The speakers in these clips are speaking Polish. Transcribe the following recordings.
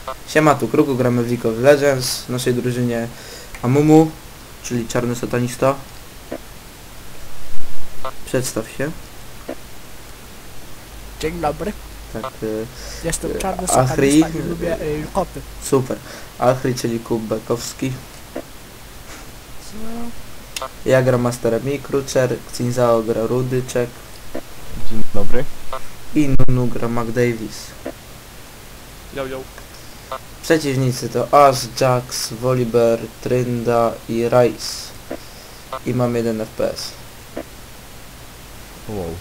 Siema, tu Kruku, gramy w League of Legends. W naszej drużynie Amumu, czyli czarny satanista. Przedstaw się. Dzień dobry. Tak, Jestem czarny Achri. satanista i lubię koty. super. Achri, czyli Kubekowski. Ja gram Masterem i Krucer, Xinzao gra Rudyczek Dzień dobry. i Nunu gra McDavis. Yo, yo. Przeciwnicy to Ash, Jax, Volibear, Trynda i Rice. I mam 1 FPS. Wow.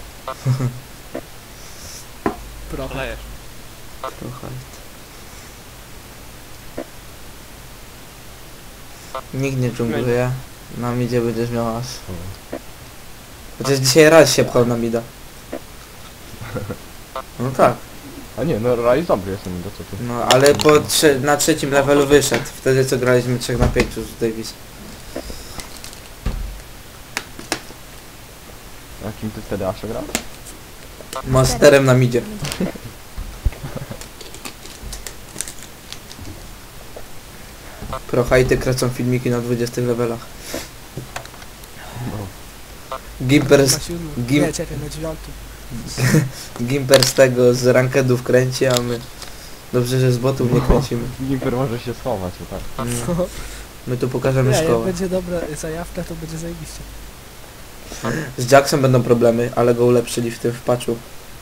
Trochę. Lejesz. Trochę. Nikt nie dżungluje. Na midzie będziesz miał Ash. Chociaż dzisiaj raz się pchał na mida. No tak. A nie, no Rise dobry jestem, do co ty? No ale na trzecim levelu wyszedł. Wtedy co graliśmy 3 na 5 z Davis. Jakim ty wtedy Asha grał? Masterem na midzie. Prohajty kręcą filmiki na 20 levelach. No. Gimper Na z, 7. Gim- Nie, czekaj, na 9. Gimper z tego, z rankedów kręci, a my... Dobrze, że z botów nie kręcimy. Gimper może się schować, o tak. My tu pokażemy Nie, jak szkołę. będzie dobra zajawka, to będzie zajebiście. Z Jacksem będą problemy, ale go ulepszyli w tym w patchu.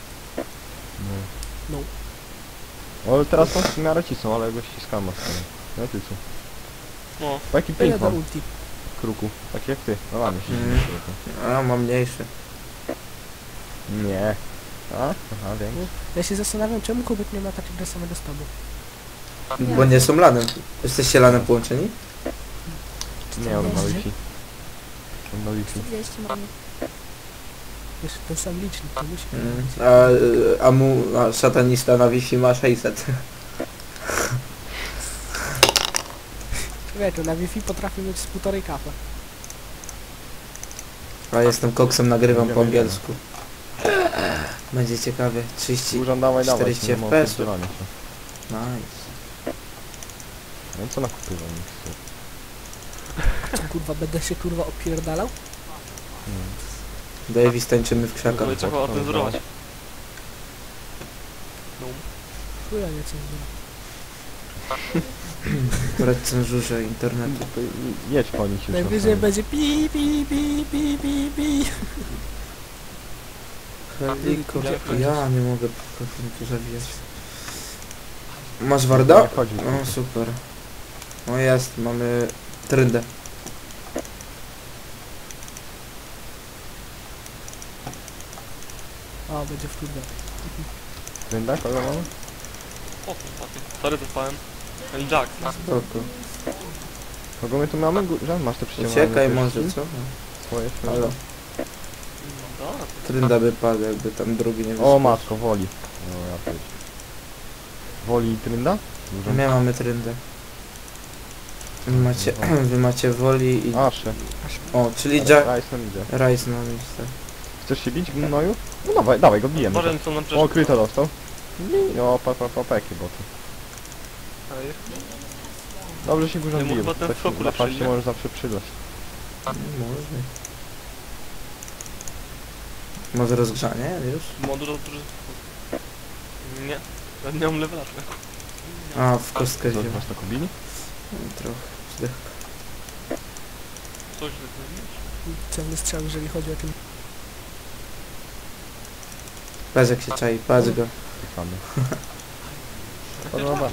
No. No. Ale teraz są w miarę cisną, ale go ściskam mocno. No ty co? No. Taki To ja ping do mam, ulti. Kruku. Tak jak ty. No ładnie się Mm. A, mam mniejszy. Nie. A? Aha, wiem. Ja się zastanawiam, czemu Kubek nie ma takiego samego z tobą. Bo nie są lanem. Jesteście lanem połączeni? Nie, on ma Wi-Fi. On ma Wi-Fi. 40 mamy. Wiesz, ten sam licznik, to musi A satanista na Wi-Fi ma 600. Wiecie, na Wi-Fi potrafi mieć z 1,5 kafa. A jestem koksem, nagrywam po Idziemy, angielsku. Będzie ciekawie. 30. Dużo dawaj, 40 nie ma FPS-ów. odpierdzielania się. Nice. No co nakupywam? Co kurwa, będę się kurwa opierdalał? Davis tańczymy w krzakach. Ale trzeba o tym wzorować. No. Chuja nie coś Akurat cenzurze internetu. To jedź po nich już. najwyżej będzie pi pi pi pi pi pi. Helikopter. Ja nie mogę tu zawijać. Masz Warda? Nie chodzi. O, super. O jest, mamy Tryndę. O, będzie w turdę. Trynda, kogo mamy? O, ładnie. Sorry, zapałem. Jack. Spoko. Kogo my tu mamy? Żan, masz te przyciągane? Uciekaj może, co? Swoje Halo. Dobra. Trynda by padł, jakby tam drugi nie O wyszedł. matko, Woli. No ja powiedzieć. Woli i Trynda? Dużo. My mamy Tryndę. Wy macie Woli i... Asze. O, czyli Jack... Rice nam idzie. Rice na miejsce. Chcesz się bić w gnoju? No dawaj, dawaj go bijemy. Może co nam O, przeszło. kryto dostał. O, jakie boty. Dobrze się górze Nie, mu bije. chyba ten w skoku Na lepszy, paście nie? możesz zawsze przydać. Może. Może rozgrzanie już? Ma dużo... Nie. Ja nie mam levela. A, w kostkę Co, wziął. masz taką bili? Trochę. Zdech. Coś tak. Celny strzał, jeżeli chodzi o ten... Patrz jak się czai, patrz go. Fany. Podoba.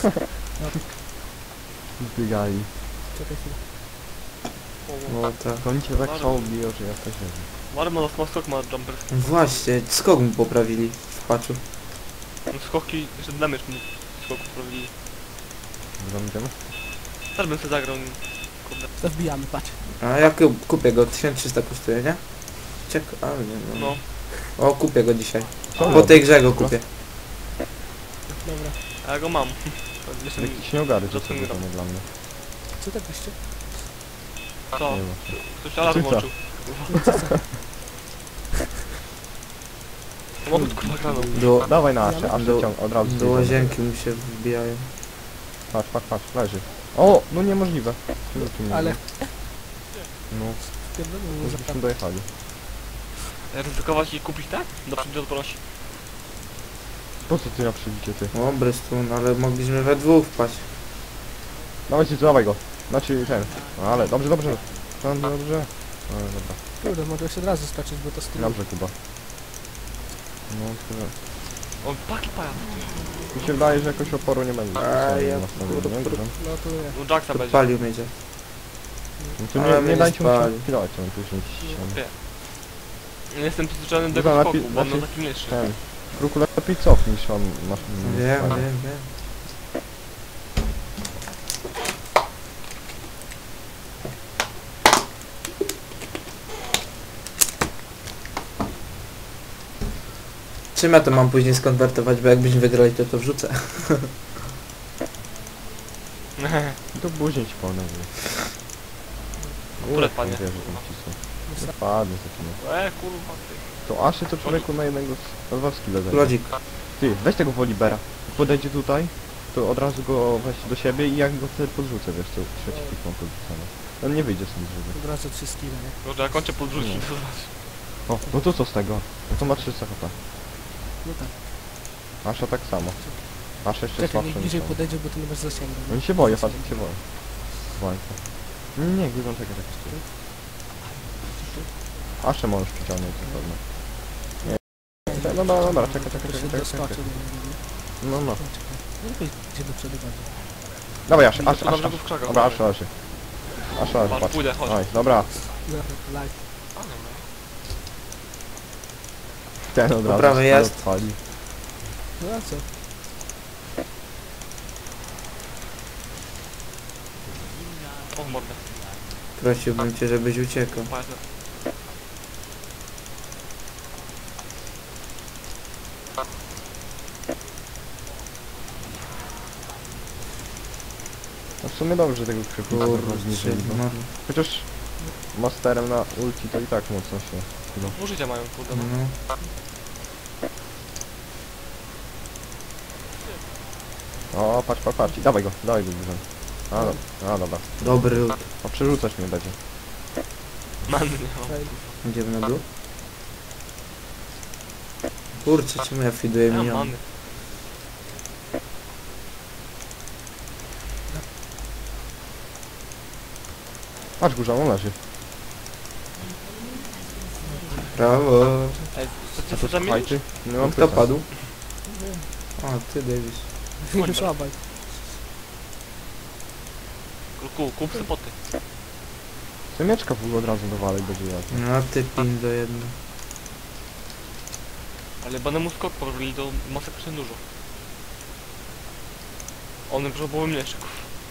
Zbiegali. Czekaj chwilę. No tak. To oni cię tak słabo biją, że ja też nie wiem. Marma ma skok, ma jumper. Właśnie, skok mi poprawili w patchu. Skoki, jeszcze damage mi skok poprawili. Dobra, idziemy? Też bym sobie zagrał. Kurde. To wbijamy, patrz. A ja kupię go, 1300 kosztuje, nie? Ale nie, no. No. O, kupię go dzisiaj. Co? Po tej grze go kupię. Dobra. A ja go mam. Jeszcze mi... Jakiś nieogary, Co to ty mi sobie robisz? nie dla mnie. Co tak byście? Co? Nie ma. Ktoś alarm Cyca. włączył. Samochód kurwa graną. Do, Dawaj na Asze, Asze Do- ciąg, od razu. do łazienki mu się wbijają. patrz, leży. O, no niemożliwe. Czemu tu nie Ale było? No, pierdolę, już byśmy dojechali. Ryzykować i kupić tak? Do przodu odporności. Po co ty na przebicie, ty? O, Brystun, ale mogliśmy we dwóch wpaść. Dawajcie, dawaj go. Znaczy ten. No, ale dobrze. No, dobrze. No, dobra. kurde, mogę się od razu skoczyć, bo to z tyłu. Dobrze, Kuba. No, tyle. O, paki paja. Mi się wydaje, że jakoś oporu nie będzie. A, ja nastawiony, nie? kur- Grze. No to nie. No Jacksa będzie. Podpalił mnie dziad. No to Ale nie, mnie nie nie dajcie mu się spali. chwilować, on później ściany. Nie jestem przyzwyczajony do Dobra, tego skoku, lepiej- bo on lepiej- taki mniejszy. Ten. Kruku lepiej cofnij niż on masz. Wiem. Czym ja to mam później skonwertować, bo jakbyśmy wygrali to wrzucę. To później ci powiem. Które padnie? Wie, że tam cisną. Nie padnie taki no. Kurwa ty. To Aszy to człowieku na jednego z dwa skille zajmie. Lodzik. Ty, weź tego Wolibera. Jak podejdzie tutaj, to od razu go weź do siebie i jak go wtedy podrzucę, wiesz, to trzeci pik mam podrzucony. On nie wyjdzie stąd żywy. Od razu 3 skille, nie? Może jak kończę podrzucić, No. to zobacz. O, no to co z tego? No to ma 300 HP. No tak. Asza tak samo. Asza jeszcze Czekaj, słabszy niech niż bliżej on. podejdzie, bo ty nie masz zasięgu. nie? Oni się boją, patrz, się boją. Boją się. Nie, górą czekaj tak stoi. Aszę możesz przyciągnąć na pewno. Nie. No dobra, czekaj. Doskoczył do niego, nie? No. No, czekaj. No lepiej idzie do przodu bardziej. Dawaj Aszę. To dobrze go w krzakach. Dobra, Aszę. Aszę, Patrz, patrz. pójdę, chodź. Oj, dobra. No, live. A, dobra. Ten od Po razu prawej się jest. odpali. No a co? O, w mordę. Prosiłbym cię, żebyś uciekał. Pajac. No w sumie dobrze, że tego krzyku Kurwa, zniżyli. No. no. Chociaż masterem na ulti to i tak mocno się. No. Pół życia mają, kurde. No. No. O, patrz. Dawaj go dużo. A dobra. Dobry lód. O, przerzucać mnie będzie. Manny nie mam. Idziemy na dół? Kurczę, czemu ja fiduję Ja mam minion? manny. Patrz górza, on leży. Brawo. Ej, A co to ty zamienisz? słuchajcie, nie mam Kto pytań. padł? O, ty Davis. Już obaj. Kup spoty. Semieczka w ogóle od razu dowalek będzie jak. No ty pin do jedno. Ale będę mu skok porobili do masakrycznie dużo. One potrzebowały mleczków.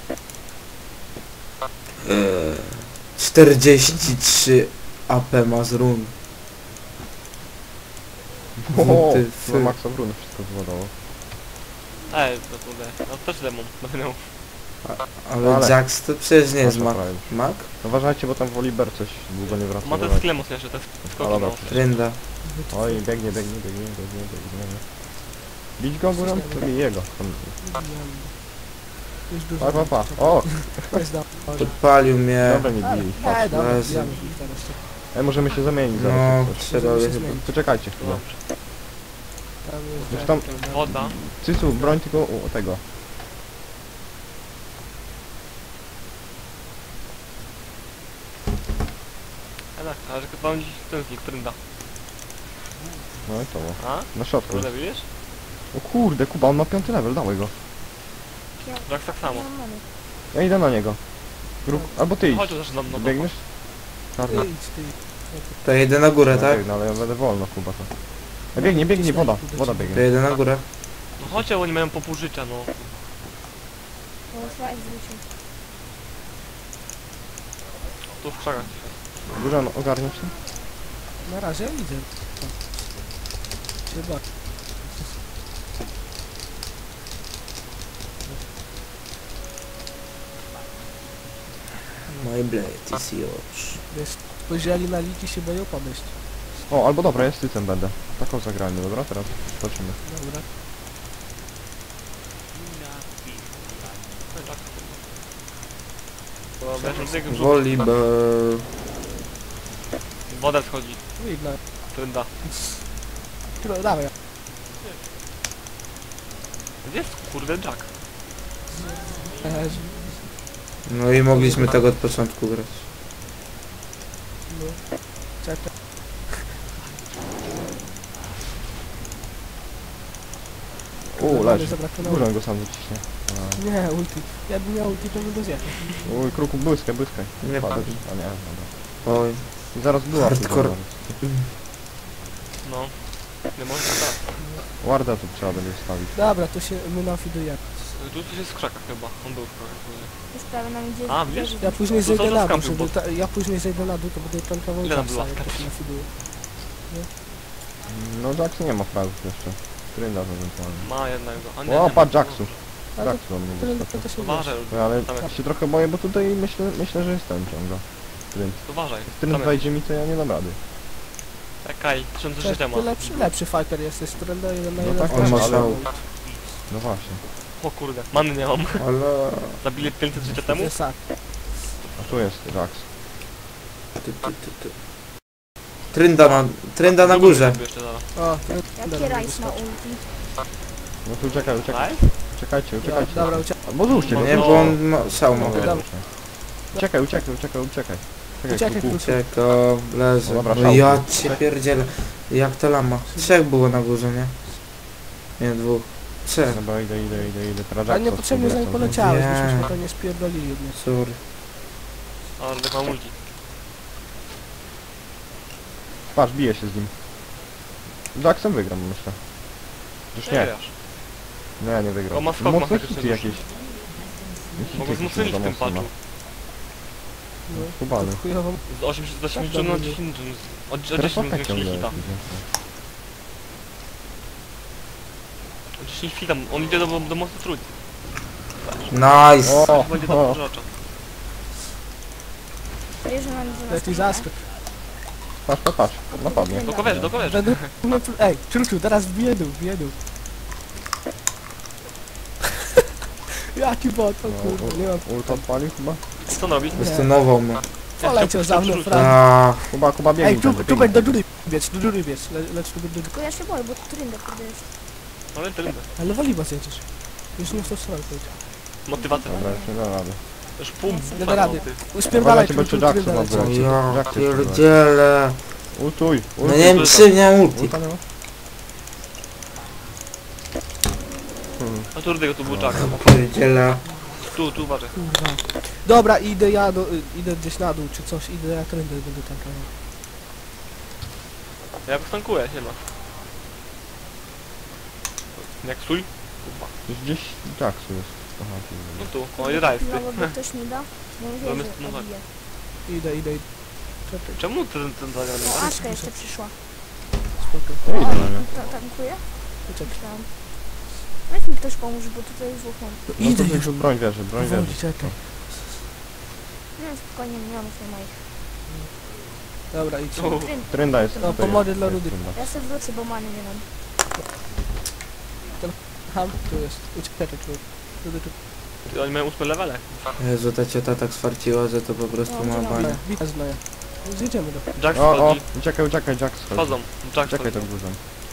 43 AP ma z run. O, Ty no fy. Maxa Bruno wszystko zładowało. To kurde. No też demon. Będę miał. Ale Jax to przecież nie jest Mac. Mac? Uważajcie, bo tam Woliber coś długo nie wraca. Ma ten sklep mocniejszy, te skoki dobra, ma. Trynda. Oj, biegnie. Bić go górą? To bij jego. Już dużo. Pa. O, Jest dobrze. Podpalił mnie. dobra, nie bij. Ej, dobra, Jezu. bijamy ich teraz. Możemy się zamienić zaraz. No, jak coś. trzeba by się chyba. zmienić. Poczekajcie chwilę. Tam jest Już tam- Jack, prawda? Woda. Cycu, broń tylko u tego. Ale że chyba dziś ten z nich trynda. No i to było. A? Na środku. Kurde, widzisz? O kurde, Kuba, on ma 5 level, dawaj go. Jak tak samo. Ja idę na niego. Albo ty idź. Chodź, też nam no to. Biegniesz? Czarna. Ty idź, ty. To jedę na górę, Ja tak? biegnę, ale ja będę wolno, Kuba to. Biegnie, woda. Woda To biegnie. jedę na górę. No chodźcie, oni mają po pół życia, no. Tu w krzakach. Górza, no, ogarniesz się? Na razie idę. Chyba. My blade is yours. Wiesz, spojrzeli na liki, się boją podejść. O, albo dobra, ja z tycem będę. Taką zagrajmy, dobra? Teraz zobaczymy. Dobra. To wiesz, tego brzuch. Volleyball. Woda schodzi. Widno. Trynda. Dawaj. Gdzie jest kurde Jack? No i mogliśmy tak od początku grać. No. Czekaj. Leży. Zabrakowało. Górą go sam wyciśnie. Nie, ulti. Jakbym miał ulti, to bym go zjechał. Oj, kruku, błyskaj. Nie Padł. padł. A nie, dobra. Oj. I zaraz była Hardcore. No. Nie można tak. Warda tu trzeba będzie wstawić. Dobra, to się my nafidujemy. Tu coś jest w krzakach chyba. On był w krzakach. Już prawie nam idzie. A, wiesz? Ja później To zejdę co na dół, skampił, żeby bo- ja później zejdę na dół, to będę tankował Ile nam Jacksa, było? jak to się nafiduje. No Jax nie ma fragów jeszcze. Trynda to ewentualnie. Ma jednego. A nie, O, nie patrz ma. Jaxu. Ale Jax do mnie to, wyskoczył. to się Uważaj, Ale tam jest. się trochę boję, bo tutaj myślę, że jest ten ciągle. Trynd. Uważaj. Jak Tam Trynd jest. wejdzie mi, to ja nie dam rady. Czekaj, 1000 życia ma. Ty lepszy fighter jesteś, Trenda 1 na No 1. tak, on ma ale- szał. No właśnie. O kurde, many nie mam. Ale... Zabili 500 życia To temu? jest tak. A tu jest Jax. Ty. Trynda na górze. Jeszcze zaraz. O, Jaki rajs ma ulti? No tu uciekaj. Daj? Uciekajcie. Dobra, uciekaj. Albo złóżcie go. Nie, bo on ma szał ma. No, Dobra. Uciekaj. Uciekaj, kruku. Czeko, leży. No dobra, No szał. ja cię pierdzielę. Jak to lama? 3 było na górze, nie? Nie, 2. 3. Dobra, idę. Teraz Ale Jaxa niepotrzebnie za nim spróbuję poleciałeś, Nie. byśmy to nie spierdolili jednie. Sorry. A, tak mam ulti. Patrz, bije się z nim. Jacksem wygram, myślę. Już nie. wiesz. Nie wygram. O, ma skok, ma Mocne faktycznie hity duży. jakieś. Mogę wzmocnić w tym patchu. No, Kubany. to chujowo. Z 80 Tak, na dobrze. 10 od Teraz 10 efekt zwiększyli ciągle hita. jest. Od 10 hita, on idzie do mocnej trójki. Nice. O, Będzie o. do rzecza. Wiesz, że nam idzie na Jaki zaskok. Patrz. Napadnie. Do kowerzy. Będę... Ej, Czuczu, teraz wbiję dół. Jaki bot, o kurde, nie mam... Ult odpalił chyba? Co on robi? Wystunował mnie. Poleciał za mną, Przerzuć. Frank. A, Kuba biegnie. Ej, tu tędy, będę biegnie. do góry biec, lecz tu będę... Tylko ja się boję, bo tu Trynda kurde jest. Ale trudno. Ale woliba zjedziesz. Już nie w tą stronę pójdź. Motywacja. Dobra, już nie da rady. Już pół Nie da rady. ty. Uspierdalaj Uważajcie, bo Czuczu, jeszcze Jackson Trynda ma leci. o wylecieć. ja Jak ty to pierdzielę. Ultuj. No nie wiem czy miałem ulti. Ulta nie ma? A tu rudego tu był Jack. Pierdzielę. Tu uważaj. Kurwa. Dobra, idę idę gdzieś na dół czy coś, idę jak Tryndę będę tankował. Ja go stankuję, nie ma. Jak stój? Kurwa. Gdzieś Jacksu jest. Aha, tu No tu. O, i rajs ty. No, bo ktoś mi da. Bo mówię, Mamy- że no tak. pobije. Idę. Czekaj, Czemu ten zagrany? O, Aszka jeszcze przyszła. spoko. Ja O, idę na nią. tankuje? Czekaj. Myślałam. Weź mi ktoś pomóż, bo tutaj jest dwóch mam. No, No idę to już. broń wierzy. Powoli, czekaj. Nie, spokojnie, nie mam tej moich. Dobra, idź. O, Trynda jest. No, tutaj pomocy jest, dla jest Rudy. Trynda. Ja sobie wrócę, bo many nie mam. Ham, tu jest. Uciekaj, tu. ty, oni mają 8 levele. Jezu, ta ciota tak sfarciła, że to po prostu No, ma dzień banie. Witaj z Noja. Zjedziemy do... Jack O, schodzi. uciekaj, Jack schodzi. Wchodzą. Jack Czekaj schodzi. tak dużo.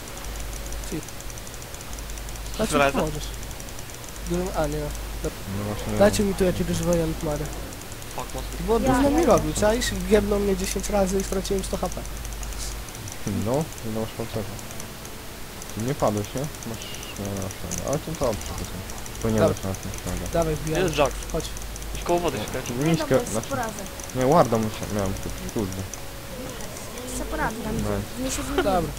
Dajcie Zraza? mi pomożesz. A, nie. No właśnie. Dajcie mi tu jakiegoś wojant Mary. Fuck, mocno. Bo Ja- dużo mi ja- robił, czaisz? Giebnął mnie 10 razy i straciłem 100 HP. No, nie masz palcego. Nie padłeś, nie? Masz... Nie, masz. Ale to dobrze. Powinieneś na tym śladu. Dawaj, Gdzie wbijamy. jest Jack? Chodź. Gdzieś koło wody się kręci. Nie, Niskie, dobra, jest znaczy... poradzę. Nie, Warda miałem tu, kurde. Jest poradzę, tam No. nie się zmieni. Dobra.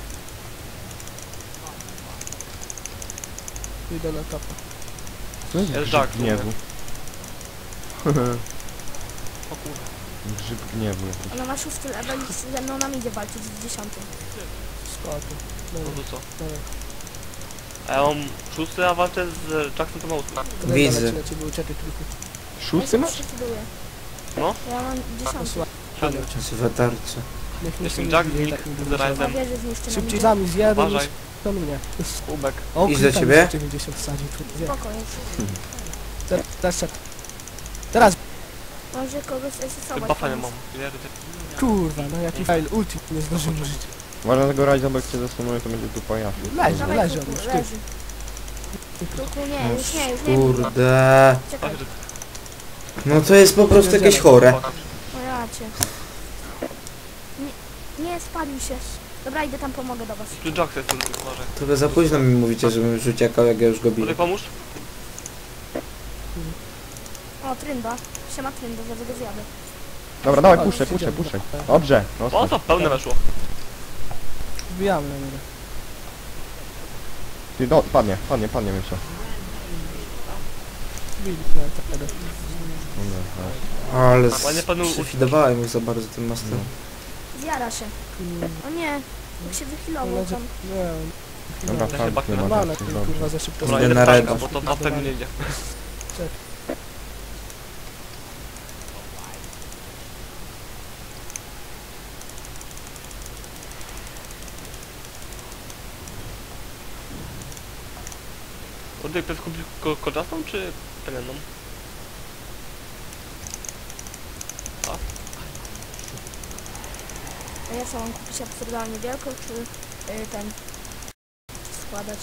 Idę na topa. To jest Jest grzyb Jack, gniewu. O kurwa. Grzyb gniewu jakiś. Ona ma 6 level i ze mną nam idzie walczyć z 10. Spoko. No Dobra, to co? dobra. A ja mam 6, a walczę z Jackson to ma 8. Trenda Widzę. leci na ciebie, uciekaj tylko. Szósty masz? No. Ja mam 10. Posłuchaj, Siódmy. Złe tarcze. niech mi Jestem się Jack, nie dzieje, Nick tak mi z będzie. Rajzem. Na wieży zniszczy nam Szybciej idzie. za mnie zjadę niż Uważaj. to mnie. Ubek. O, Idź do klika mi ciebie. 90 wsadzi. Spoko, już. Teraz. Teraz. Może kogoś esesować. Buffa nie mam. Pierdolę. Kurwa, no jaki fail, ulti nie zdążyłem użyć. Uważaj tego rajza, bo jak cię zastanuje, to będzie tu pojazd. Leży, Dawaj, leży on Kruku, już, ty. leży. Kruku, nie, No już nie, już nie. Kurde. Czekaj, No to jest po prostu jakieś chore. no ja cię. Nie, spalił się. Dobra, idę tam, pomogę do was. Tu Jax jest Rudyk, może. Trochę za późno mi mówicie, żebym już uciekał, jak ja już go biję. Rudyk, pomóż? O, Trynda. Siema Trynda, zaraz go zjadę. Dobra, dawaj, O, puszczaj, idziemy. puszczaj, puszczaj. Dobrze, O, no to pełne weszło. Wbijamy na niego. Ty, no, padnie, myślę. Wbili na tego. Ale Ładnie panu przyfidowałem już za bardzo tym mastem. Zjara się. O nie, jak się wychylował tam. Nie, Dobra, Ja się tak, baknę nie ma normalne, tak, kurwa, za szybko. Dobra, Idę idę na na reda. bo to na pewno nie idzie. Rudyk, to jest kupił koczastą czy peleną? A ja co, mam kupić absurdalnie wielką, czy ten składać?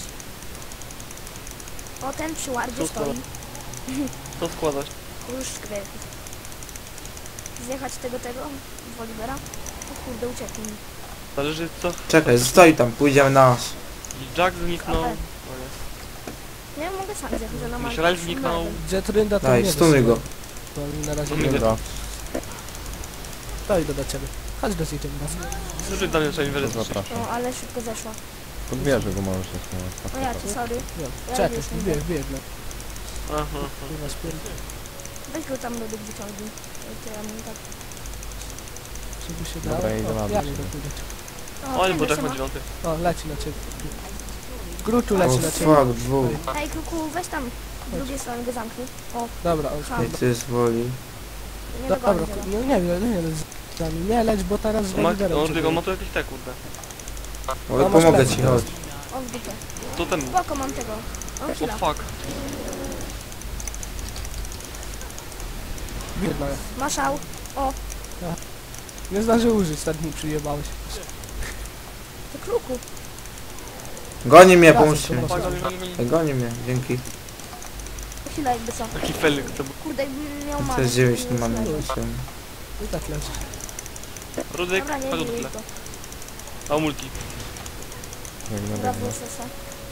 O, ten przy wardzie Co stoi. Co składać? Już sklepy. Zjechać tego Wolibera? O kurde, uciekł mi. Zależy co... Czekaj, stoi tam, pójdziemy na nas. Jack zniknął. Ale- No nie. Nie, mogę sam zjechać, że na Myślę, że zniknął. Jet Rynda tam Daj, nie stunuj go. To mi na razie No, nie Dobra, to idę do ciebie. Chodź do ciebie raz. Słyszy do mnie, że mi to wyleczyć. zapraszam. No, ale szybko zeszła. Pod wieżę go możesz się No ja cię, sorry. Nie, Ja czekaj, już nie biegnę. Aha. Kurwa, spierdolę. Weź go tam do wyciągnij. To ja mam tak. Żeby się Dobra, dało. ja idę O, na ja dół. nie dopójdę. O, nie, bo Trynda Jack się ma ma. 9. O, leci na ciebie. Gruczu O leci na ciebie. fuck, dwóch. Hej, Kruku, weź tam z drugiej strony go zamknij. O, Dobra, on Ha. I ty jest woli. nie Dobra, dogonię go. nie leć z nami. Nie leć, bo teraz z Ma, Woliberem on cię tylko ma biorę. tu jakieś te kurde. Ale masz pomogę plecy. ci, chodź. O, w dupę. To ten... Spoko, mam tego. O, O chwila. fuck. Biedna. Maszał. O, Nie zdążył użyć, tak mi przyjebałeś. to Kruku. Goni mnie, Razem pomóżcie mi. to Fuck, Ej, goni mnie, dzięki. Chwila, jakby co. Taki felik to był. Kurde, jakbym miał To manę. jest 9 nie mamy. znajdę. I tak leży. Rudyk, Dobra, nie chodź do bij tyle. go. A multi. Biegnę, Dobra, biegnę. WSS-a.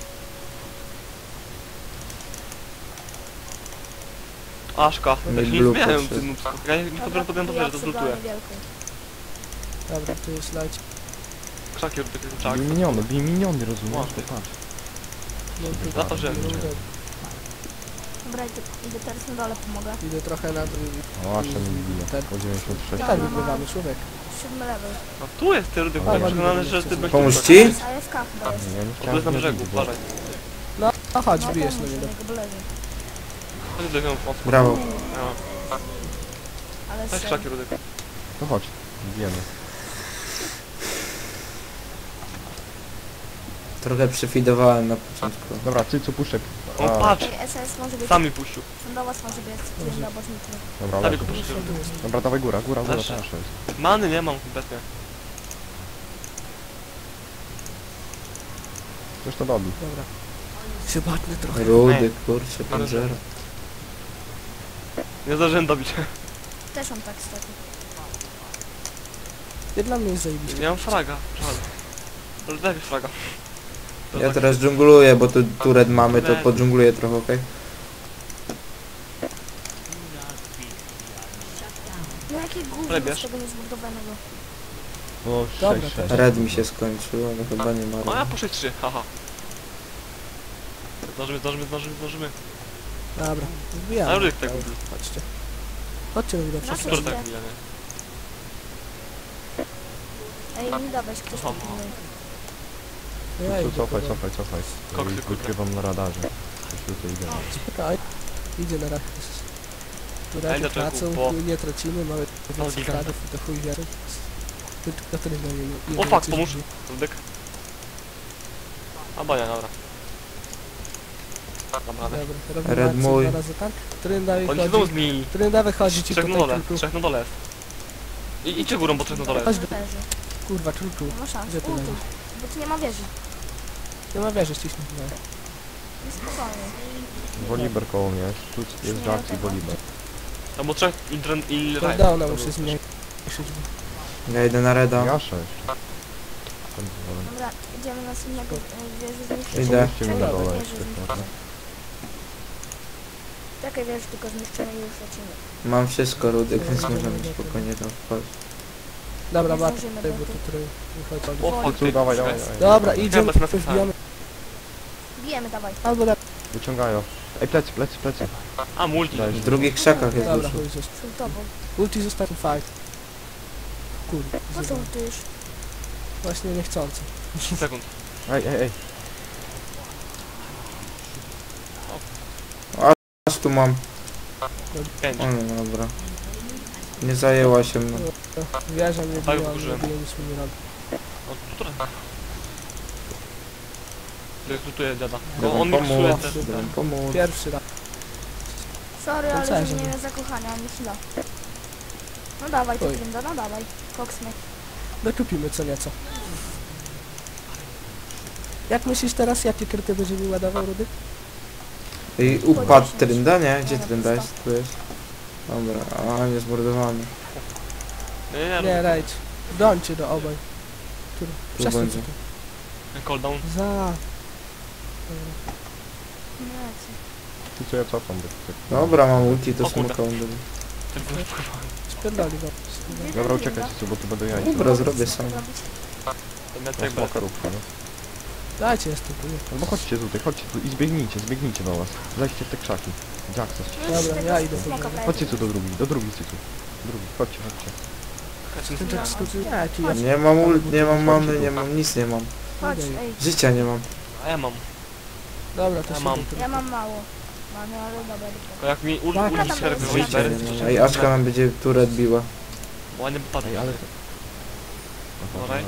Aszka. Ja się nie blue zmieniałem podszedł. tym nubsku. Ja nie podbiorę to wiesz, to zlutuję. Dobra, tu jest leć. Krzaki Rudyk, czak. Bij miniony, rozumiesz? Ładnie. To patrz. No, tu- Za to, że- Dobra, idę teraz na dole, pomogę. Idę trochę na dół. O, aż ten mi bije. Tak. Po 96. Tak wygrywamy, człowiek. 7 level. No tu jest ty Rudyk, A, byłem ładnie. przekonany, że ty będziesz... Pomóż tu ci? Z AFK chyba jest. Ja nie To chciałem jest na brzegu, wiedzieć, bo- uważaj. No chodź, No, bijesz na pomóż niego. niego, bo leży. Chodź do niego mocno. Brawo. Ja. Ale Weź serio. krzaki Rudyk. No chodź, bijemy. Trochę przyfidowałem na początku. Dobra, Cycu, puszczek. O, patrz! Ej, SS może być. Sami puścił. Do was może być. Trynda, bo zniknę. Dobra, Sami leży. go puścił. Dobra, dawaj góra, góra, Leży. proszę jest. Many nie mam kompletnie. Coś to dobi. Dobra. Się batnę trochę. Rudy, kurczę, panzera. Nie zdążyłem dobić. Też on tak stoi. Nie dla mnie jest zajebiście. Nie mam fraga. Żal. Ale daj mi fraga. To Ja tak- teraz dżungluję, bo tu turet mamy, to podżungluję trochę, okej? No jakie gówno Ale bierz. z tego niezbudowanego. O, Dobra, 6-6. Red mi się skończył, ale chyba nie ma O, ja red. po 6-3, haha. Zdążymy. Dobra, A wbijamy. Rudyk tak Dobra, lubi. Chodźcie. Chodźcie do mnie Na do co? Który tak lubi, a nie? Ej, nie dawaj, ktoś tam Aha. pilnuje. Ja Tu idę. cofaj, kurwa. cofaj. Koksy, Wy- kurde. Wykrywam na radarze. Coś tutaj idę. Czekaj. Idzie na rak. Tu Ej, raczej dlaczego? tracą, Bo- nie tracimy, mamy więcej gigant. kadrów i to chuj wiary. Tylko to nie O, fuck, pomóż. Rudyk. A bania, dobra. Dam radę. Dobra, robimy Red akcję mój. 2 razy tak. Trynda Oni wychodzi. znowu zmienili. Trynda wychodzi ci Trzech na tutaj, dole, czulczu. trzech na dole jest. Idźcie górą, bo trzech na dole Chodź jest. do... Leży. Kurwa, czulczu. Nie ma szans. Gdzie ty Ultuj. leżysz? Bo tu nie ma wieży. Nie ma wieży, ściśnij. No. Nie spokojnie. Woliber koło mnie jest. Tu jest Jax i Woliber. No bo trzech i Ryan. Cooldowna muszę zmniejszyć. Ja idę na reda. Jasza jeszcze. Dobra, idziemy na następnego wieży zniszczyć. Idę. Pomóżcie mi na dole Wieży jeszcze. zniszczyć. proszę. Czekaj, wieży tylko zniszczymy i już lecimy. Mam wszystko Rudek, więc możemy spokojnie tam wchodzić. Dobra, Nie Mat, zdążymy, tutaj, bo bo tu- tu który wychodzi. O, fuck, Tu, dawaj, dawaj, czekaj. dawaj. Dobra, idziemy, bez napisania. wbijamy. Bijemy, dawaj. Albo na... Wyciągają. Ej, plecy, plecy, plecy. A, multi. Daj. W drugich krzakach jest Dobra, dużo. chuj, został. Szultowo. Ulti zostawił fight. Kurde, Po co ultujesz? właśnie niechcący. 10 sekund. Ej, ej, ej. Aż tu mam. 5. O no dobra. Nie zajęła się mną. Wieża mnie Tak, biła, wkurzyłem. nie bije, nic mi nie robi. O, która? Rekrutuje dziada. Dobra, On miksuje pomóż. też. Dobra, pomóż. Pierwszy raz. Sorry, ale Pancerze, nie no. miałem zakochania, ani chwila. No dawaj, to Oj. Trinda, no dawaj. Koksmy. Dokupimy co nieco. Jak myślisz teraz, jakie kryty będzie mi ładował, Rudy? I upadł Trynda, nie? Gdzie Trynda jest? Tu jest. Dobra, a nie zmordowany. Nie, Nie, rajdź. Brońcie do obaj. Który? Tu Przesuń będzie. się tu. Cooldown. Za. Nie, Tu co ja cofam. Dobra, mam ulti, to O kurde. smoka on Spierdoli go. Dobra, uciekajcie co, bo tu będą jajca. Dobra, zrobię sam. To miał Na tak smoka róbcie, no. Dajcie, jest tu. No bo chodźcie tutaj, chodźcie tu i zbiegnijcie do was. Zajdźcie w te krzaki. Jaxa. Dobra, ja idę. Chodźcie tu do drugi cycu. Drugi, chodźcie. Ten Jack skoczył. Nie, ci jest. Nie mam ult, nie mam many, nie mam nic, nie mam. Chodź, ej. Życia nie mam. A ja mam. Dobra, to Ja się mam. idę. Ja mam mało. Mamy, ale dobra, Tylko jak mi Tak. ulti się robi Życia Woliber, nie mam. Ej, Aczka nam będzie turret biła. ładnie wypadł. Ej, ale... Dawaj.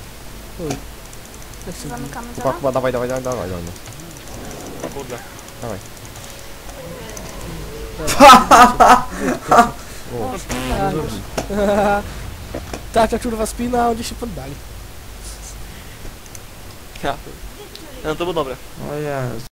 Jak się zamykamy Chyba, za chyba, dawaj. Kurde. Dawaj. O, Tak. Tak, kurwa spina, a oni się poddali. Ja. No to było dobre. O Jezu.